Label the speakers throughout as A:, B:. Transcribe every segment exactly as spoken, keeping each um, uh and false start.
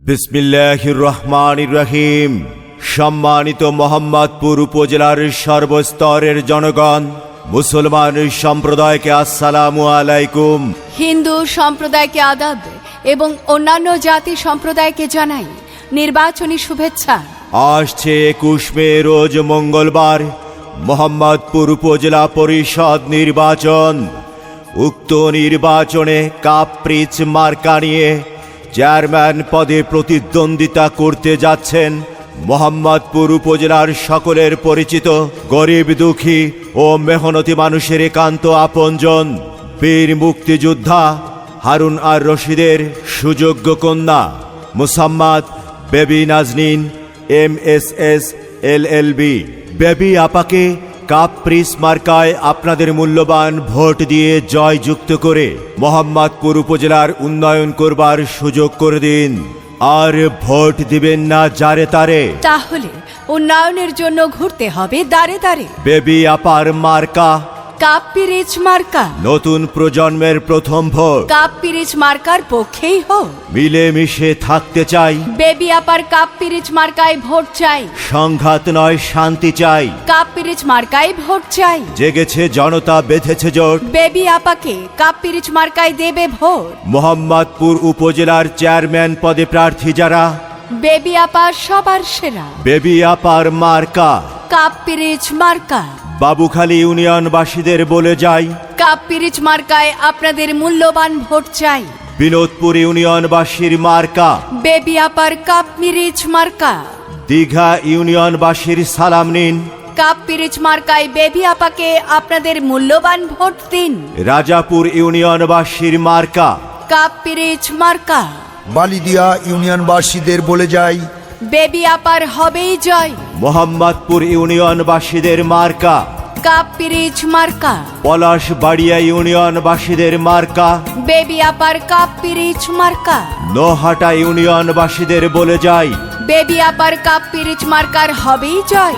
A: বিসমিল্লাহির রহমানির রহিম। সম্মানিত মোহাম্মদপুর উপজেলার সর্বস্তরের জনগণ, মুসলমান সম্প্রদায়কে আসসালামু আলাইকুম।
B: হিন্দু সম্প্রদায়কে আদাব এবং অন্যান্য জাতি সম্প্রদায়কে জানাই নির্বাচনী শুভেচ্ছা।
A: আসছে একুশ মে রোজ মঙ্গলবার মোহাম্মদপুর উপজেলা পরিষদ নির্বাচন। উক্ত নির্বাচনে কাপ্রিচ মার্কা নিয়ে চেয়ারম্যান পদে প্রতিদ্বন্দ্বিতা করতে যাচ্ছেন মোহাম্মদপুর উপজেলার সকলের পরিচিত গরিব দুঃখী ও মেহনতি মানুষের একান্ত আপনজন বীর মুক্তিযোদ্ধা হারুন আর রশিদের সুযোগ্য কন্যা Mosammat Baby Nazneen M S S L L B. Baby আপাকে কাপ্রিস মার্কায় আপনাদের মূল্যবান ভোট দিয়ে জয়যুক্ত করে মোহাম্মদপুর উপজেলার উন্নয়ন করবার সুযোগ করে দিন। আর ভোট দিবেন না যারে তারে,
B: তাহলে উন্নয়নের জন্য ঘুরতে হবে দাঁড়ে দাঁড়ে।
A: বেবি আপার মার্কা
B: কাপ্রিচ মার্কা।
A: নতুন প্রজন্মের প্রথম ভোট
B: কাপ্রিচ মার্কার পক্ষেই হোক।
A: মিলেমিশে থাকতে চাই,
B: বেবি আপার কাপ্রিচ মার্কায় ভোট চাই।
A: সংঘাত নয় শান্তি চাই।
B: কাপ্রিচ মার্কায় ভোট চাই।
A: জেগেছে জনতা, বেঁধেছে জোট,
B: বেবি আপাকে কাপ্রিচ মার্কায় দেবে ভোট।
A: মোহাম্মদপুর উপজেলার চেয়ারম্যান পদে প্রার্থী যারা,
B: বেবি আপা সবার সেরা।
A: বেবি আপার মার্কা
B: কাপ্রিচ মার্কা।
A: বাবুখালী ইউনিয়নবাসীদের বলে যাই,
B: কাপ্রিচ মার্কায় আপনাদের মূল্যবান ভোট চাই।
A: বিনোদপুর ইউনিয়নবাসীর মার্কা
B: বেবি আপার কাপ্রিচ মার্কা।
A: দীঘা ইউনিয়নবাসীর সালাম নিন,
B: কাপ্রিচ মার্কায় বেবি আপাকে আপনাদের মূল্যবান ভোট দিন।
A: রাজাপুর ইউনিয়নবাসীর মার্কা
B: কাপ্রিচ মার্কা।
C: বালিদিয়া ইউনিয়নবাসীদের বলে যাই,
B: বেবি আপার হবেই জয়।
A: মোহাম্মদপুর ইউনিয়নবাসীদের মার্কা
B: কাপ্রিচ মার্কা।
A: পলাশবাড়িয়া ইউনিয়নবাসীদের মার্কা
B: বেবি আপার কাপ্রিচ মার্কা।
A: নোহাটা ইউনিয়নবাসীদের বলে যাই,
B: বেবি আপার কাপ্রিচ মার্কার হবেই জয়।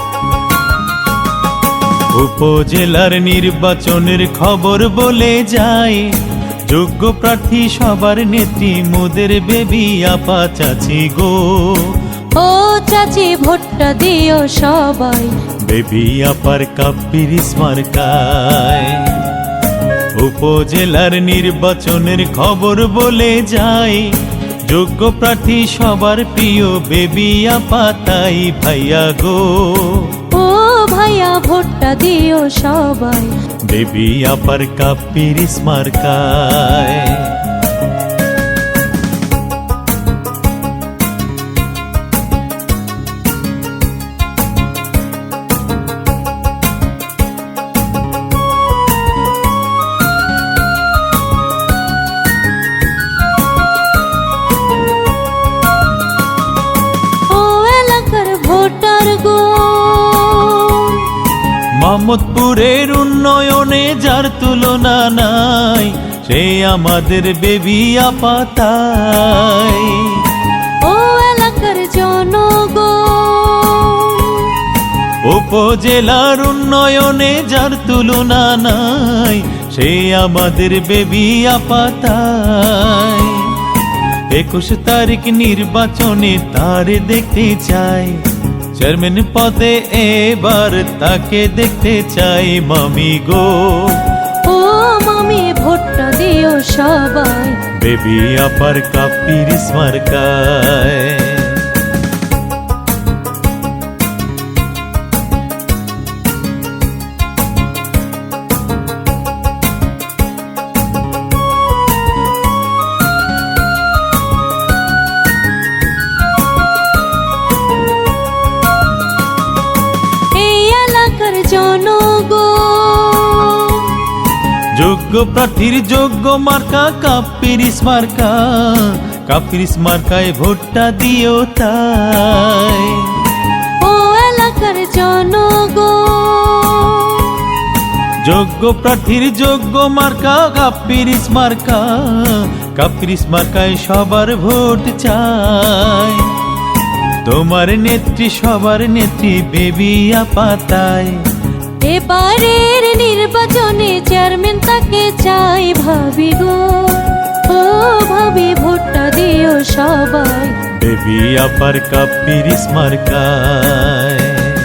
D: উপজেলার নির্বাচনের খবর বলে যায়, যোগ্য প্রার্থী সবার নেত্রী মোদের বেবি আপা চাচি গো।
E: ও চাচি ভোটটা দিও সবাই,
D: বেবি আপার কাপ্রিচ মার্কায়। উপজেলার নির্বাচনের খবর বলে যায়, যোগ্য প্রার্থী সবার প্রিয় বেবি আপা তাই ভাইয়া গো।
E: ও ভাইয়া ভোটটা দিও সবাই,
D: বেবি আপার কাপ্রিচ মার্কায়।
E: ও এলাকার ভোটার গো,
D: মোহাম্মদপুরের উন্নয়নে যার তুলনা নাই, সে আমাদের বেবি আপা তাই।
E: ও এলাকার জনগণ,
D: উপজেলার উন্নয়নে যার তুলনা নাই, সে আমাদের বেবি আপা তাই। একুশ তারিখ নির্বাচনে তার দেখতে চাই, চেয়ারম্যান পদে এবার তাকে দেখতে চাই মামি গো।
E: ও মামি ভোটটা দিও সবাই,
D: বেবি আপার কাপ্রিচ মার্কায়।
E: এই এলাকার জনগণ,
D: যোগ্য প্রার্থীর যোগ্য মার্কা কাপ্রিচ মার্কা। কাপ্রিচ মার্কায় ভোটটা দিও তাই।
E: ও এলাকার জনগণ,
D: যোগ্য প্রার্থীর যোগ্য মার্কা কাপ্রিচ মার্কা। কাপ্রিচ মার্কায় সবার ভোট চাই, তোমার নেত্রী সবার নেত্রী বেবি আপা তাই।
E: এবারের নির্বাচনে চেয়ারম্যান তাকে চাই ভাবি গো। ও ভাবি ভোটটা দিও সবাই,
D: বেবি আপার কাপিরিস মার্কায়।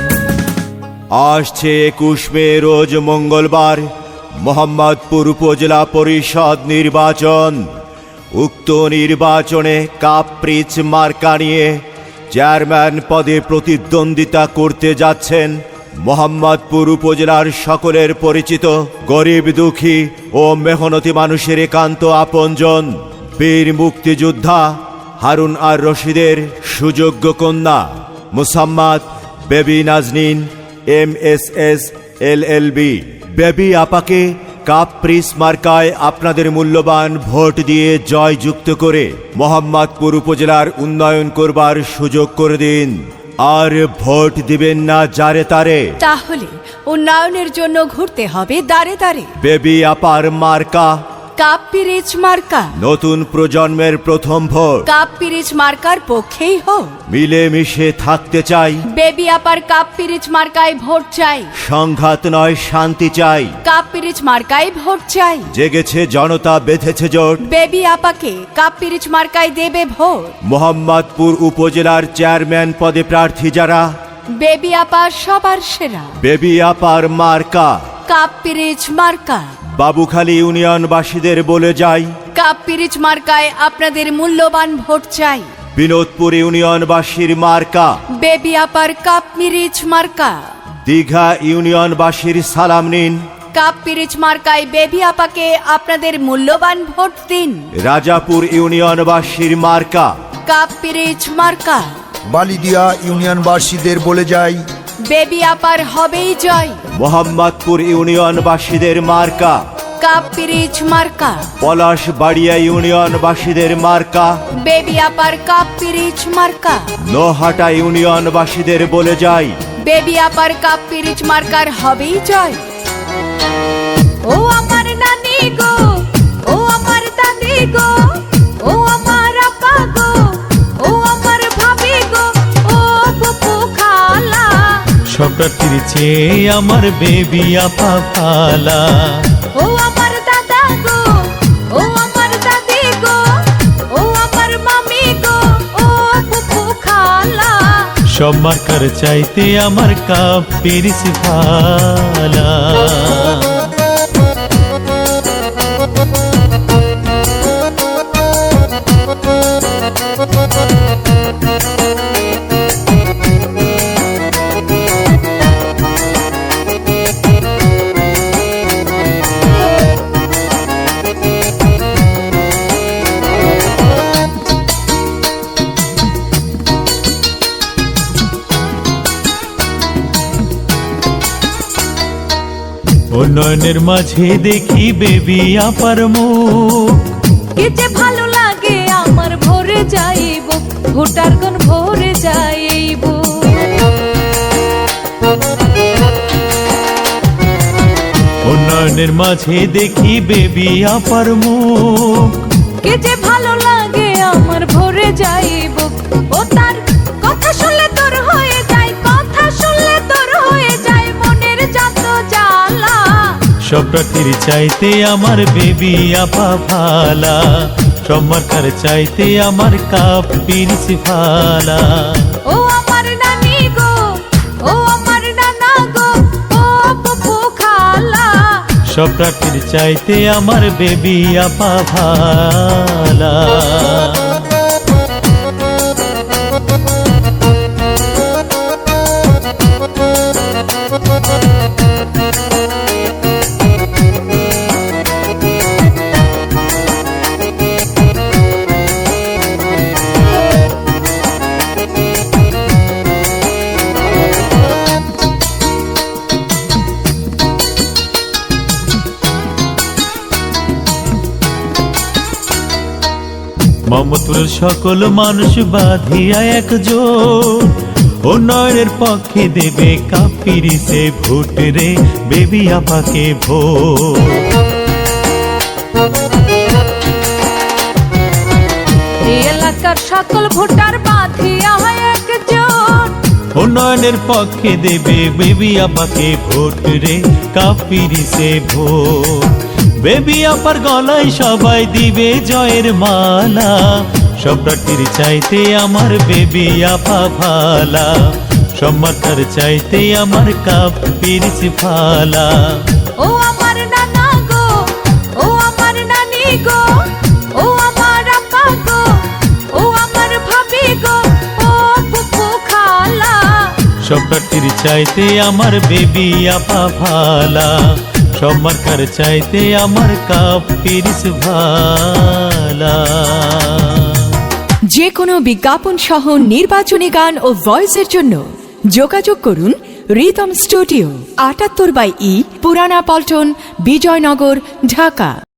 A: আসছে একুশ মে রোজ মঙ্গলবার মোহাম্মদপুর উপজেলা পরিষদ নির্বাচন। উক্ত নির্বাচনে কাপ্রিচ মার্কা নিয়ে চেয়ারম্যান পদে প্রতিদ্বন্দ্বিতা করতে যাচ্ছেন মোহাম্মদপুর উপজেলার সকলের পরিচিত গরিব দুঃখী ও মেহনতি মানুষের একান্ত আপনজন বীর মুক্তিযোদ্ধা হারুন আর রশিদের সুযোগ্য কন্যা Mosammat Baby Nazneen M S S L L B. Baby আপাকে কাপ্রিস মার্কায় আপনাদের মূল্যবান ভোট দিয়ে জয়যুক্ত করে মোহাম্মদপুর উপজেলার উন্নয়ন করবার সুযোগ করে দিন। আর ভোট দিবেন না যারে তারে।
B: তাহলে উন্নয়নের জন্য ঘুরতে হবে দাঁড়ে দাঁড়ে।
A: বেবি আপার মার্কা
B: কাপ্পিরিচ মার্কা।
A: নতুন প্রজন্মের প্রথম ভোট
B: কাপ্পিরিচ মার্কার পক্ষেই হোক।
A: মিলেমিশে থাকতে চাই।
B: বেবি আপার কাপ্পিরিচ মার্কায় ভোট চাই।
A: সংঘাত নয় শান্তি চাই।
B: কাপ্পিরিচ মার্কায় ভোট চাই।
A: জেগেছে জনতা বেঁধেছে জোট।
B: বেবি আপাকে কাপ্পিরিচ মার্কায় দেবে ভোট।
A: মোহাম্মদপুর উপজেলার চেয়ারম্যান পদে প্রার্থী যারা
B: বেবি আপা সবার সেরা।
A: বেবি আপার মার্কা
B: কাপ্পিরিচ মার্কা।
A: বাবুখালী ইউনিয়নবাসীদের বলে যাই
B: কাপ্পিরিচ মার্কায় আপনাদের মূল্যবান ভোট চাই।
A: বিনোদপুর ইউনিয়নবাসীর মার্কা
B: বেবি আপার কাপ্পিরিচ মার্কা।
A: দীঘা ইউনিয়নবাসীর সালাম নিন।
B: কাপ্পিরিচ মার্কায় বেবি আপাকে আপনাদের মূল্যবান ভোট দিন।
A: রাজাপুর ইউনিয়নবাসীর মার্কা
B: কাপ্পিরিচ মার্কা।
C: বালিদিয়া ইউনিয়নবাসীদের বলে যাই
B: বেবি আপার হবেই জয়।
A: মোহাম্মদপুর ইউনিয়নবাসীদের মার্কা
B: কাপ্পিরিচ মার্কা।
A: পলাশবাড়িয়া ইউনিয়নবাসীদের মার্কা
B: বেবি আপার কাপ্পিরিচ মার্কা।
A: নোহাটা ইউনিয়নবাসীদের বলে যাই
B: বেবি আপার কাপ্পিরিচ মার্কার হবেই জয়। ও আমার নানি গো, ও আমার দাদি গো, ও আমার আপা গো, ও আমার ভাবি গো, ও ফুফু খালা।
D: সব প্রার্থীর চেয়ে আমার বেবি আপা ভালা।
B: ও আমার দাদা গো, ও আমার দাদি গো, ও আমার মামি গো, ও ফুফু খালা।
D: সব মার্কার চাইতে আমার কাপিরিস ভালা। উন্নয়নের মাঝে দেখি বেবি আপার মুখ।
E: কি যে ভালো লাগে আমার ভরে যাইব, ভোটার কোন ভরে যাইব।
D: উন্নয়নের মাঝে দেখি বেবি আপার মুখ।
E: কি যে ভালো লাগে আমার ভরে যাইব। ও তার কথা শুনলে তোর হয়ে যায়, কথা শুনলে তোর হয়ে যায় মনের যত জ্বালা।
D: সব প্রার্থীর চাইতে আমার বেবি আপা ভালা। সব মার্কার চাইতে আমার কাপিরিস ভালা।
E: ও আমার নানি গো, ও আমার নানা গো, ও ফুফু খালা।
D: সব প্রার্থীর চাইতে আমার বেবি আপা ভালা। মোহাম্মদপুরের সকল মানুষ বাঁধিয়া একজোট। উন্নয়নের পক্ষে দেবে কাপিরিসে ভোট রে, বেবি আপাকে ভোট।
E: এই এলাকার সকল ভোটার বাঁধিয়া একজোট।
D: উন্নয়নের পক্ষে দেবে বেবি আপাকে ভোট রে, কাপিরিসে ভোট। বেবি আপার গলায় সবাই দিবে জয়ের মালা। সব প্রার্থীর চাইতে আমার বেবি আপা ভালা, সব মার্কার চাইতে আমার কাপ পিরিচ ভালা।
E: ও আমার নানা গো, ও আমার নানি গো, ও আমার আপা গো, ও আমার ভাবি গো, ও ফুফু খালা।
D: সব প্রার্থীর চাইতে আমার বেবি আপা ভালা, সব মার্কার চাইতে আমার কাপ পিরিচ ভালা।
B: যে কোনো বিজ্ঞাপন সহ নির্বাচনী গান ও ভয়েসের জন্য যোগাযোগ করুন রিদম স্টুডিও, আটাত্তর বাই ই, পুরানা পল্টন, বিজয়নগর, ঢাকা।